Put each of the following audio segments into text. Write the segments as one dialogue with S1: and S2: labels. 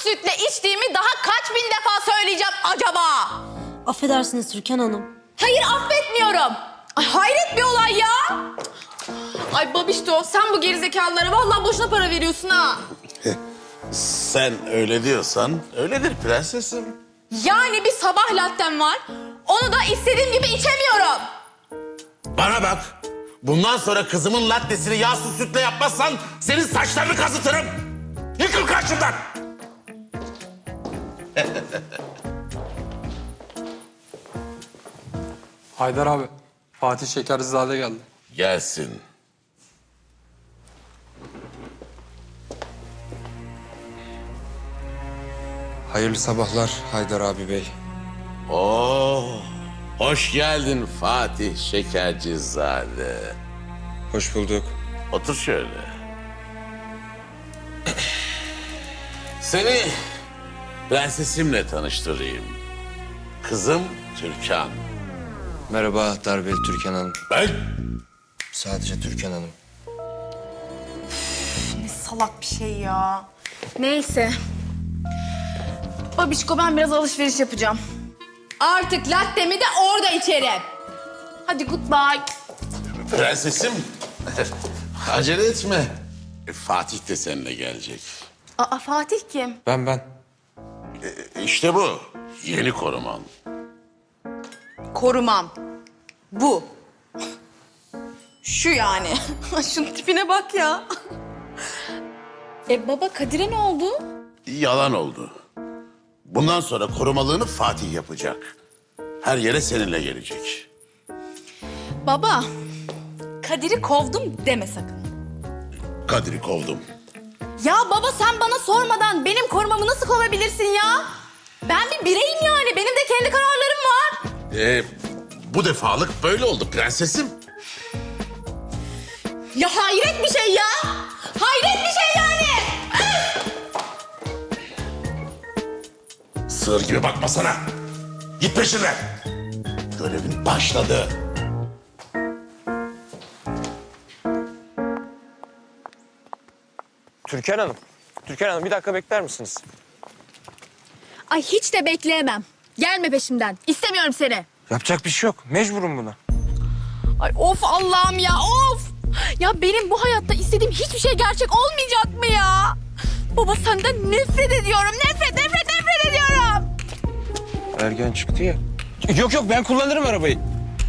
S1: sütle içtiğimi daha kaç bin defa söyleyeceğim acaba?
S2: Affedersiniz Türkan Hanım.
S1: Hayır, affetmiyorum. Ay, hayret bir olay ya. Ay babişto, sen bu gerizekalılara vallahi boşuna para veriyorsun ha.
S3: Sen öyle diyorsan öyledir prensesim.
S1: Yani bir sabah lattem var. Onu da istediğim gibi içemiyorum.
S3: Bana bak. Bundan sonra kızımın lattesini yağsız sütle yapmazsan senin saçlarını kazıtırım. Yıkıl karşımdan.
S4: Haydar abi, Fatih Şekerzade geldi.
S3: Gelsin.
S5: Hayırlı sabahlar Haydar abi bey.
S3: Oo, hoş geldin Fatih Şekercizade.
S5: Hoş bulduk.
S3: Otur şöyle. Seni prensesimle tanıştırayım. Kızım Türkan.
S5: Merhaba Darbeli Türkan Hanım.
S3: Ben?
S5: Sadece Türkan Hanım.
S1: Ne salak bir şey ya. Neyse. Babişko, ben biraz alışveriş yapacağım. Artık lattemi de orada içerim. Hadi goodbye.
S3: Prensesim. Acele etme. Fatih de seninle gelecek.
S1: Aa, Fatih kim?
S5: Ben.
S3: İşte bu. Yeni koruman.
S1: Korumam. Bu. Şu yani. Şunun tipine bak ya. Baba, Kadir'e ne oldu?
S3: Yalan oldu. Bundan sonra korumalığını Fatih yapacak. Her yere seninle gelecek.
S1: Baba, Kadir'i kovdum deme sakın.
S3: Kadir'i kovdum.
S1: Ya baba, sen bana sormadan benim korumamı nasıl kovabilirsin ya? Ben bir bireyim yani. Benim de kendi kararlarım var.
S3: Bu defalık böyle oldu prensesim.
S1: Ya hayret bir şey ya. Hayret bir şey yani.
S3: Sığır gibi bakma sana. Git peşinden. Görevin başladı.
S6: Türkan Hanım. Türkan Hanım bir dakika bekler misiniz?
S1: Ay, hiç de bekleyemem. Gelme peşimden. İstemiyorum seni.
S6: Yapacak bir şey yok. Mecburum buna.
S1: Ay of Allah'ım ya, of. Ya benim bu hayatta istediğim hiçbir şey gerçek olmayacak mı ya? Baba, senden nefret ediyorum. Nefret ediyorum.
S6: Ergen çıktı ya. Yok ben kullanırım arabayı.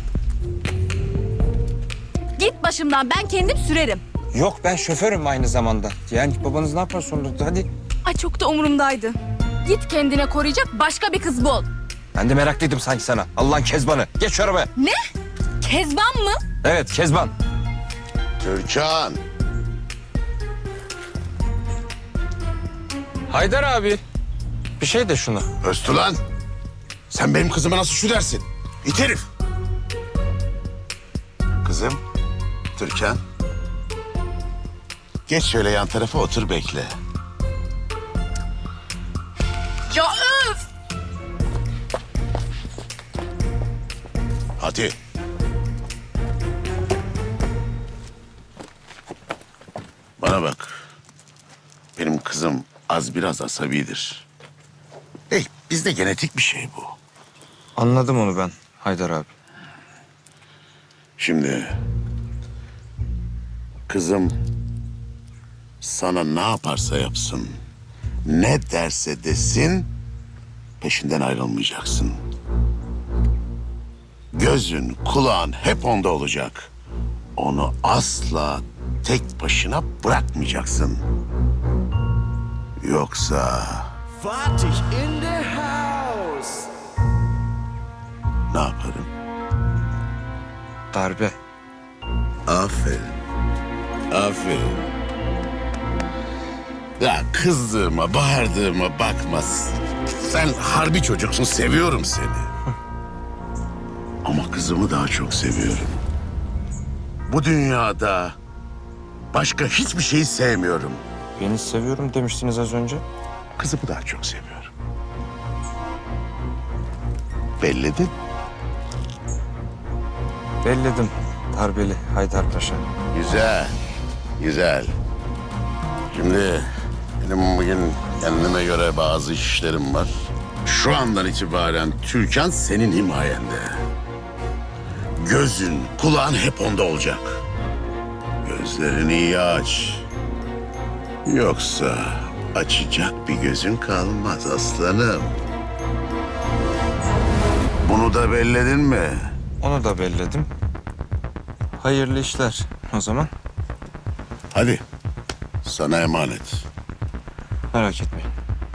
S1: Git başımdan, ben kendim sürerim.
S6: Yok ben şoförüm aynı zamanda. Yani babanız ne yapar sonra hadi.
S1: Ay, çok da umurumdaydı. Git kendine koruyacak başka bir kız bul.
S6: Ben de meraklıydım sanki sana. Allah'ın Kezbanı. Geç şu arabaya.
S1: Ne? Kezban mı?
S6: Evet Kezban.
S3: Türkan.
S6: Haydar abi. Bir şey de şunu.
S3: Öztulan. Sen benim kızıma nasıl şu dersin? İt herif. Kızım. Türkan. Geç şöyle yan tarafa otur bekle.
S1: Ya öf!
S3: Hadi. Bana bak. Benim kızım az biraz asabidir. Bizde genetik bir şey bu.
S5: Anladım onu ben Haydar abi.
S3: Şimdi kızım sana ne yaparsa yapsın, ne derse desin peşinden ayrılmayacaksın. Gözün, kulağın hep onda olacak. Onu asla tek başına bırakmayacaksın. Yoksa
S7: Fatih in the house.
S3: ne yaparım?
S5: Darbe.
S3: Aferin. Aferin. Ya kızdığıma, bağırdığıma bakma. Sen harbi çocuksun, seviyorum seni. Ama kızımı daha çok seviyorum. Bu dünyada başka hiçbir şeyi sevmiyorum.
S5: Beni seviyorum demiştiniz az önce.
S3: Kızımı daha çok seviyorum. Belledin.
S5: Belledim Darbeli Haydar Paşa.
S3: Güzel, güzel. Şimdi Benim bugün kendime göre bazı işlerim var. Şu andan itibaren Türkan senin himayende. Gözün, kulağın hep onda olacak. Gözlerini iyi aç. Yoksa açacak bir gözün kalmaz aslanım. Bunu da belledin mi?
S5: Onu da belledim. Hayırlı işler o zaman.
S3: Hadi. Sana emanet.
S5: Merak etmeyin.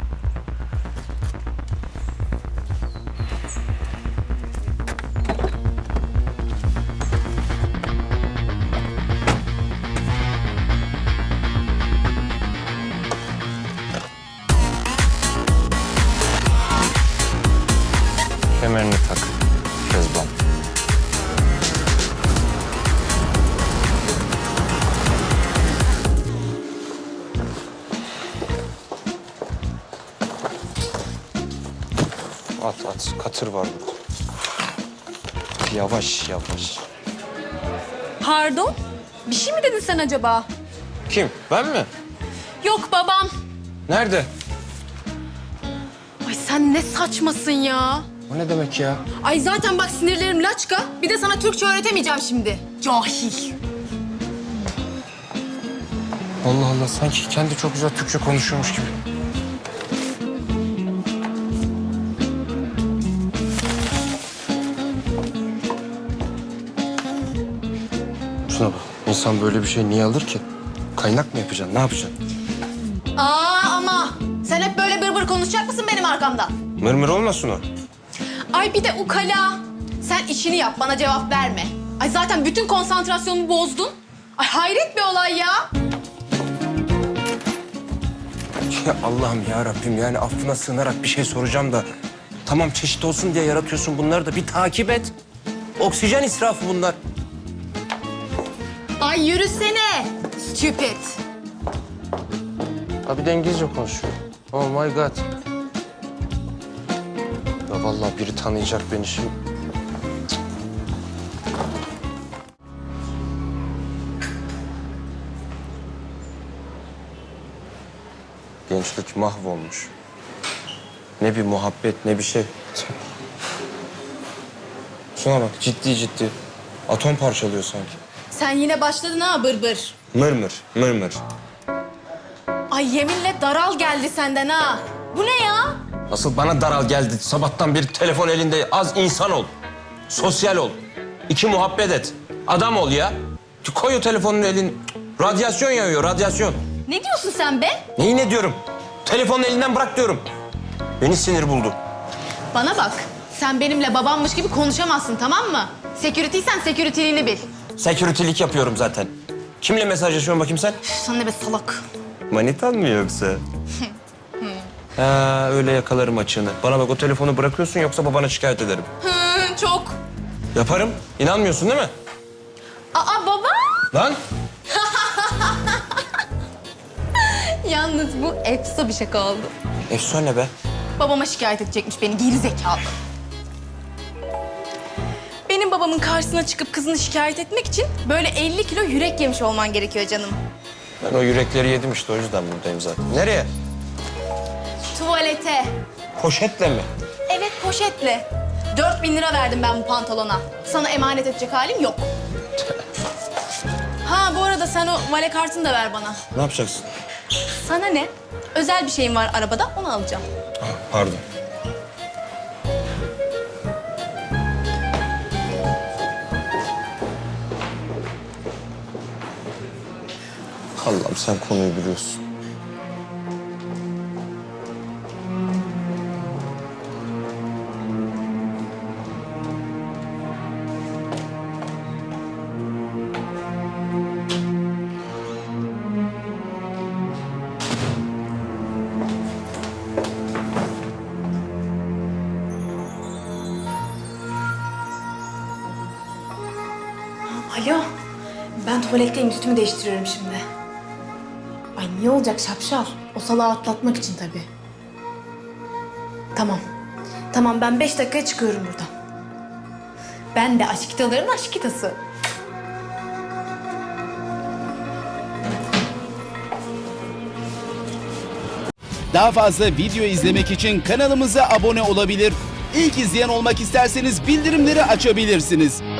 S5: Kemerini tak Kezban. At. Katır var burada. Yavaş.
S1: Pardon? Bir şey mi dedin sen acaba?
S6: Kim? Ben mi?
S1: Yok babam.
S6: Nerede?
S1: Ay sen ne saçmasın ya.
S6: O ne demek ya?
S1: Ay zaten bak sinirlerim laçka. Bir de sana Türkçe öğretemeyeceğim şimdi. Cahil.
S6: Allah Allah, sanki kendi çok güzel Türkçe konuşuyormuş gibi. Şuna bak, insan böyle bir şey niye alır ki? Kaynak mı yapacaksın, ne yapacaksın?
S1: Ama sen hep böyle bır konuşacak mısın benim arkamdan?
S6: Mırmır olmasın o.
S1: Ay bir de ukala. Sen işini yap, bana cevap verme. Ay zaten bütün konsantrasyonumu bozdun. Ay hayret bir olay ya.
S6: Ya Allah'ım ya Rabbim, yani affına sığınarak bir şey soracağım da... Tamam, çeşit olsun diye yaratıyorsun bunları da bir takip et. Oksijen israfı bunlar.
S1: Ay yürüsene. Stupid.
S6: Ha, bir de İngilizce konuşuyor. Oh my God. Ya vallahi biri tanıyacak beni şimdi. Gençlik mahvolmuş. Ne bir muhabbet, ne bir şey. Şuna bak, ciddi. Atom parçalıyor sanki.
S1: Sen yine başladın ha bır.
S6: Mırmır.
S1: Ay yeminle daral geldi senden ha. Bu ne ya?
S6: Asıl bana daral geldi. Sabahtan beri telefon elinde. Az insan ol. Sosyal ol. İki muhabbet et. Adam ol ya. Koy o telefonun elin. Radyasyon yağıyor, radyasyon.
S1: Ne diyorsun sen be?
S6: Neyi ne diyorum? Telefonun elinden bırak diyorum. Beni sinir buldu.
S1: Bana bak. Sen benimle babammış gibi konuşamazsın tamam mı? Security'sen security'liğini bil.
S6: Security'lik yapıyorum zaten. Kimle mesajlaşıyorsun bakayım sen?
S1: Üf, sen de be salak.
S6: Manitan mı yoksa? Ha, öyle yakalarım açığını. Bana bak, o telefonu bırakıyorsun yoksa babana şikayet ederim.
S1: Çok.
S6: Yaparım. İnanmıyorsun değil mi?
S1: Aa baba.
S6: Lan!
S1: Yalnız bu efsa bir şaka oldu.
S6: Efsane be.
S1: Babama şikayet edecekmiş beni geri zekalı. Benim babamın karşısına çıkıp kızını şikayet etmek için böyle 50 kilo yürek yemiş olman gerekiyor canım.
S6: Ben o yürekleri yedim işte, o yüzden buradayım zaten. Nereye?
S1: Tuvalete.
S6: Poşetle mi?
S1: Evet poşetle. 4.000 lira verdim ben bu pantolona. Sana emanet edecek halim yok. Ha bu arada sen o vale kartını da ver bana.
S6: Ne yapacaksın?
S1: Sana ne? Özel bir şeyim var arabada onu alacağım.
S6: Pardon. Allah'ım, sen konuyu biliyorsun.
S1: Alo. Ben tuvaletteyim üstümü değiştiriyorum şimdi. Ay niye olacak şapşal? O salağı atlatmak için tabii. Tamam. Tamam ben 5 dakikaya çıkıyorum buradan. Ben de aşkitaların aşkitası.
S8: Daha fazla video izlemek için kanalımıza abone olabilir. İlk izleyen olmak isterseniz bildirimleri açabilirsiniz.